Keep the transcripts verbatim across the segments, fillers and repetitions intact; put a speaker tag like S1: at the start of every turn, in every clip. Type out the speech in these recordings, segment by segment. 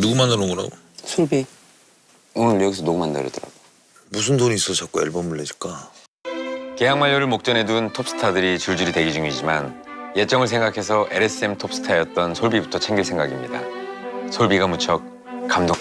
S1: 누구 만나러 온 거라고?
S2: 솔비. 오늘 여기서 녹음한다 그러더라고.
S1: 무슨 돈이 있어 자꾸 앨범을 내줄까?
S2: 계약 만료를 목전에 둔 톱스타들이 줄줄이 대기 중이지만 예정을 생각해서 엘에스엠 톱스타였던 솔비부터 챙길 생각입니다. 솔비가 무척 감동.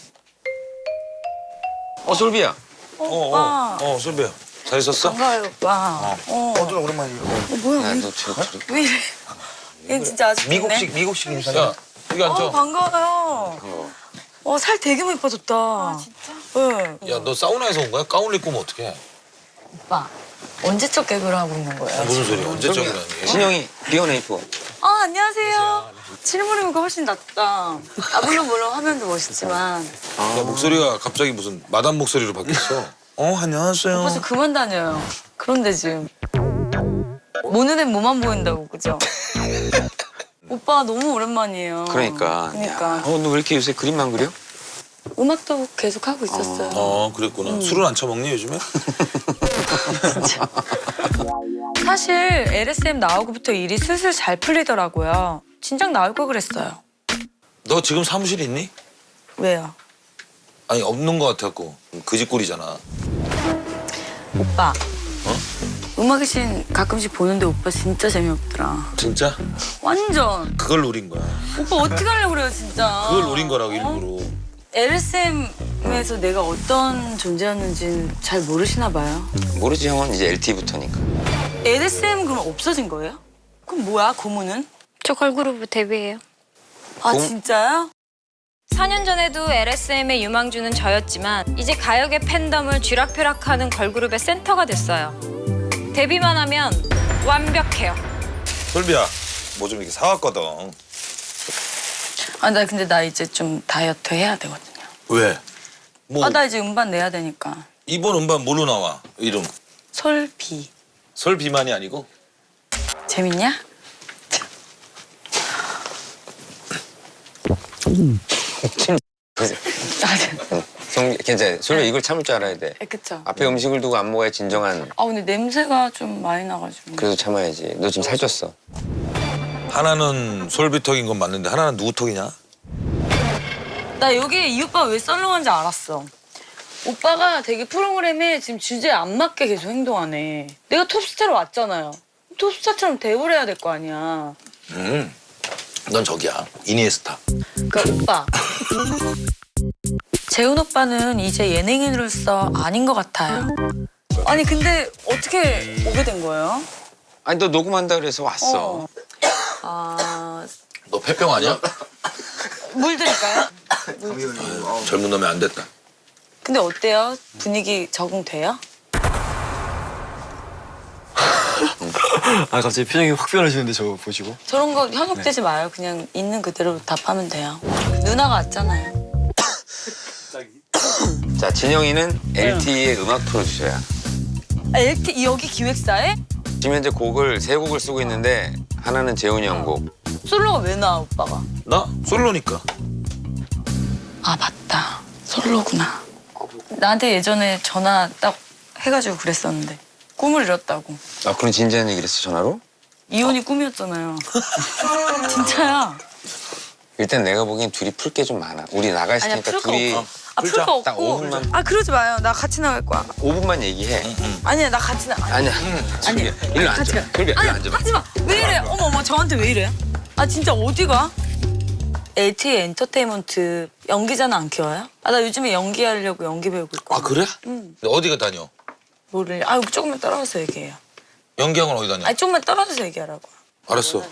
S2: 어, 솔비야.
S3: 오빠.
S1: 어, 어, 솔비야. 잘 있었어?
S3: 반가워요, 오빠. 어.
S1: 어좀 오랜만이야.
S3: 어, 뭐야,
S2: 야,
S3: 왜,
S2: 너 저, 저,
S3: 왜 이래? 얘 진짜 아직
S1: 미국식 미국식 인사야. 야, 여기 앉아.
S3: 어, 반가워요.
S2: 어.
S3: 어, 살 되게 많이 빠졌다. 아, 진짜? 네.
S1: 야, 너 사우나에서 온 거야? 가운 입고 오면 어떡해?
S3: 오빠, 언제적 개그를 하고 있는 거예요?
S1: 무슨 소리야? 언제적이라니?
S2: 진영이 비어네이프.
S3: 아, 안녕하세요. 실물이니까 훨씬 낫다. 아, 물론 물론 화면도 멋있지만.
S1: 야, 목소리가 갑자기 무슨 마담 목소리로 바뀌었어. 어, 안녕하세요.
S3: 오빠 좀 그만 다녀요. 그런데 지금 모 눈엔 뭐만 보인다고, 그죠? 오빠 너무 오랜만이에요.
S2: 그러니까.
S3: 그러니까.
S2: 어, 너 왜 이렇게 요새 그림만 그려?
S3: 음악도 계속 하고 있었어요.
S1: 어, 그랬구나. 술은 안 처먹니 요즘에?
S3: 사실 엘에스엠 나오고부터 일이 슬슬 잘 풀리더라고요. 진작 나올 걸 그랬어요.
S1: 너 지금 사무실 있니?
S3: 왜요?
S1: 아니 없는 거 같아갖고 그짓골이잖아.
S3: 오빠.
S1: 어?
S3: 음악의 신 가끔씩 보는데 오빠 진짜 재미없더라.
S1: 진짜?
S3: 완전.
S1: 그걸 노린 거야.
S3: 오빠 어떻게 하려고 그래요, 진짜.
S1: 그걸 노린 거라고 일부러.
S3: 엘에스엠에서 내가 어떤 존재였는지는 잘 모르시나 봐요.
S2: 모르지, 형은 이제 엘티부터니까.
S3: 엘에스엠은 그럼 없어진 거예요? 그럼 뭐야, 고무는?
S4: 저 걸그룹 데뷔해요.
S3: 아,
S2: 고-
S3: 진짜요?
S4: 사 년 전에도 엘에스엠의 유망주는 저였지만 이제 가요계 팬덤을 쥐락펴락하는 걸그룹의 센터가 됐어요. 데뷔만 하면 완벽해요.
S1: 솔비야, 뭐 좀 이렇게 사왔거든.
S3: 아, 나 근데 나 이제 좀 다이어트 해야 되거든요.
S1: 왜? 뭐
S3: 아, 나 이제 음반 내야 되니까.
S1: 이번 음반 뭘로 나와? 이름.
S3: 솔비.
S1: 솔비만이 아니고?
S3: 재밌냐? 아,
S2: 성, 괜찮아. 솔비 이걸 참을 줄 알아야 돼.
S3: 네, 그쵸.
S2: 앞에 음식을 두고 안 먹어야 진정한.
S3: 아, 근데 냄새가 좀 많이 나가지고.
S2: 그래도 참아야지. 너 지금 살쪘어.
S1: 하나는 솔비 턱인 건 맞는데 하나는 누구 턱이냐?
S3: 나 여기 이 오빠 왜 썰렁한지 알았어. 오빠가 되게 프로그램에 지금 주제에 안 맞게 계속 행동하네. 내가 톱스타로 왔잖아요. 톱스타처럼 대우를 해야 될 거 아니야.
S1: 음, 넌 저기야. 이니에스타.
S3: 그러니까 오빠. 재훈 오빠는 이제 예능인으로서 아닌 것 같아요. 아니 근데 어떻게 오게 된 거예요?
S2: 아니, 너 녹음한다 그래서 왔어.
S3: 어. 아,
S1: 너 폐병 아니야?
S3: 물 드릴까요?
S1: 젊은 놈이 안 됐다.
S3: 근데 어때요? 분위기 적응돼요?
S5: 아 갑자기 표정이 확 변하시는데 저거 보시고.
S3: 저런 거 현혹되지 마요. 그냥 있는 그대로 답하면 돼요. 누나가 왔잖아요.
S2: 자, 진영이는 엘티의 음악 프로듀서야.
S3: 아, 엘티 여기 기획사에?
S2: 지금 현재 곡을 세 곡을 쓰고 있는데 하나는 재훈이 형 곡.
S3: 솔로가 왜 나와 오빠가?
S1: 나? 솔로니까.
S3: 아 맞다. 솔로구나. 나한테 예전에 전화 딱 해가지고 그랬었는데 꿈을 이뤘다고.
S2: 아, 그런 진지한 얘기를 했어, 전화로?
S3: 이혼이 꿈이었잖아요. 진짜야.
S2: 일단 내가 보기엔 둘이 풀 게 좀 많아. 우리 나가 있을
S3: 아니야
S2: 테니까
S3: 풀 거
S2: 둘이
S3: 없어. 아 풀
S1: 풀자.
S3: 거
S2: 딱
S3: 없고.
S2: 오 분만.
S3: 아 그러지 마요. 나 같이 나갈 거야.
S2: 오 분만 얘기해.
S3: 아니야 나 같이 나.
S2: 아니야.
S3: 아니야.
S2: 솔비야, 일로
S3: 같이
S2: 앉아.
S3: 가.
S2: 솔비야,
S3: 아니
S2: 일로 앉아봐.
S3: 하지 마. 왜 이래? 어머 어머 저한테 왜 이래? 아 진짜 어디 가? 엘티 엔터테인먼트 연기자는 안 키워요? 아 나 요즘에 연기하려고 연기 배우고 있고.
S1: 아 그래?
S3: 응.
S1: 어디가 다녀?
S3: 뭐를? 아 조금만 떨어져서 얘기해요.
S1: 연기학원 어디 다녀?
S3: 아니 조금만 떨어져서 얘기하라고.
S1: 알았어.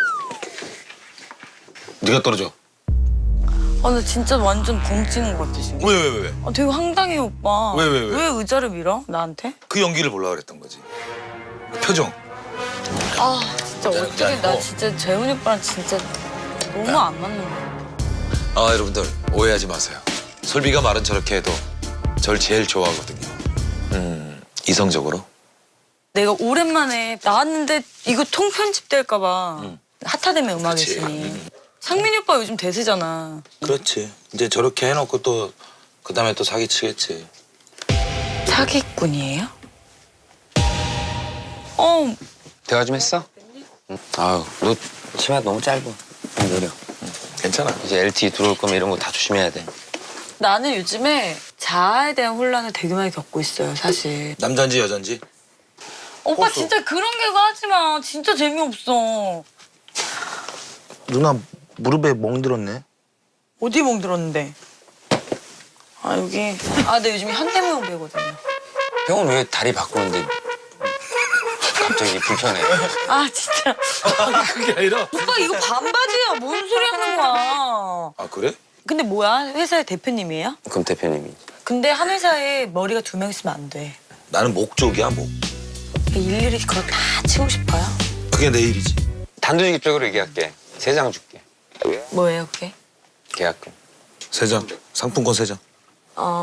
S1: 네가 떨어져.
S3: 아 나 진짜 완전 벙찌는 것 같아 지금.
S1: 왜 왜 왜 왜?
S3: 아 되게 황당해 오빠.
S1: 왜, 왜, 왜?
S3: 왜 의자를 밀어 나한테?
S1: 그 연기를 보려고 그랬던 거지. 그 표정.
S3: 아 진짜
S1: 야,
S3: 어떻게
S1: 야,
S3: 나
S1: 어.
S3: 진짜 재훈이 오빠랑 진짜 너무 안 맞는 거야.
S1: 아 여러분들 오해하지 마세요. 솔비가 말은 저렇게 해도 절 제일 좋아하거든요. 음 이성적으로.
S3: 내가 오랜만에 나왔는데 이거 통편집 될까 봐.
S1: 응.
S3: 핫하다며 음악의
S1: 그치.
S3: 신이.
S1: 응.
S3: 상민이 오빠 요즘 대세잖아.
S1: 그렇지. 이제 저렇게 해놓고 또 그다음에 또 사기치겠지.
S3: 사기꾼이에요? 어,
S2: 대화 좀 했어? 응. 아유, 너 치마 너무 짧아. 좀 내려.
S1: 괜찮아.
S2: 이제 엘티이 들어올 거면 이런 거 다 조심해야 돼.
S3: 나는 요즘에 자아에 대한 혼란을 되게 많이 겪고 있어요, 사실.
S1: 남잔지 여잔지?
S3: 오빠
S1: 호수.
S3: 진짜 그런 개그 하지 마. 진짜 재미없어.
S6: 누나 무릎에 멍들었네.
S3: 어디 멍들었는데? 아 여기. 아, 나 요즘 현대무용 배우거든요.
S2: 형은 왜 다리 바꾸는데 갑자기 불편해?
S3: 아 진짜.
S1: 그게 아니라.
S3: 오빠 이거 반바지야. 뭔 소리 하는 거야.
S1: 아 그래?
S3: 근데 뭐야? 회사의 대표님이에요?
S2: 그럼 대표님이.
S3: 근데 한 회사에 머리가 두 명 있으면 안 돼.
S1: 나는 목 쪽이야 목.
S3: 일일이 그거 다 치고 싶어요?
S1: 그게 내 일이지.
S2: 단도직입적으로 얘기할게. 세 장 줄게.
S3: 뭐예요 그게?
S2: 계약금.
S1: 세 장. 상품권 세 장.
S3: 어...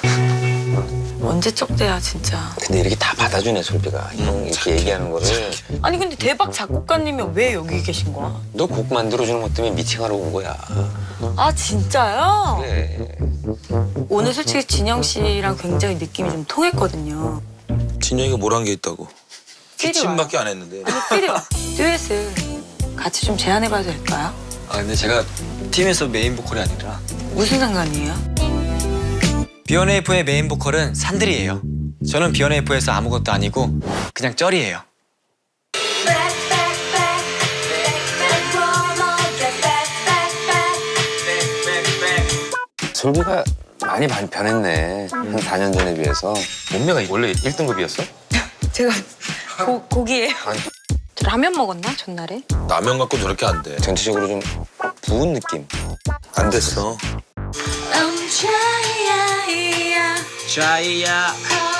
S3: 언제적 때야 진짜.
S2: 근데 이렇게 다 받아주네 솔비가. 형 이렇게 얘기하는 거를.
S3: 아니 근데 대박 작곡가님이 왜 여기 계신 거야?
S2: 너 곡 만들어주는 것 때문에 미팅하러 온 거야.
S3: 아 진짜요?
S2: 그래.
S3: 오늘 솔직히 진영 씨랑 굉장히 느낌이 좀 통했거든요.
S1: 진영이가 뭘 한 게 있다고.
S3: 필이
S1: 기침밖에 안 했는데.
S3: 필요 듀엣을 같이 좀 제안해봐도 될까요?
S5: 아 근데 제가 팀에서 메인 보컬이 아니라
S3: 무슨 상관이에요?
S5: 비욘에이프의 메인 보컬은 산들이에요. 저는 비욘에이프에서 아무것도 아니고 그냥 쩔이에요.
S2: 솔비가 많이 많이 변했네. 한 사 년 전에 비해서. 몸매가 원래 일 등급이었어?
S3: 제가 고, 고기예요.
S4: 라면 먹었나 전날에?
S1: 라면 갖고 저렇게 안 돼.
S2: 전체적으로 좀 부은 느낌.
S1: 안 됐어.
S3: I'm trying,
S5: 자이야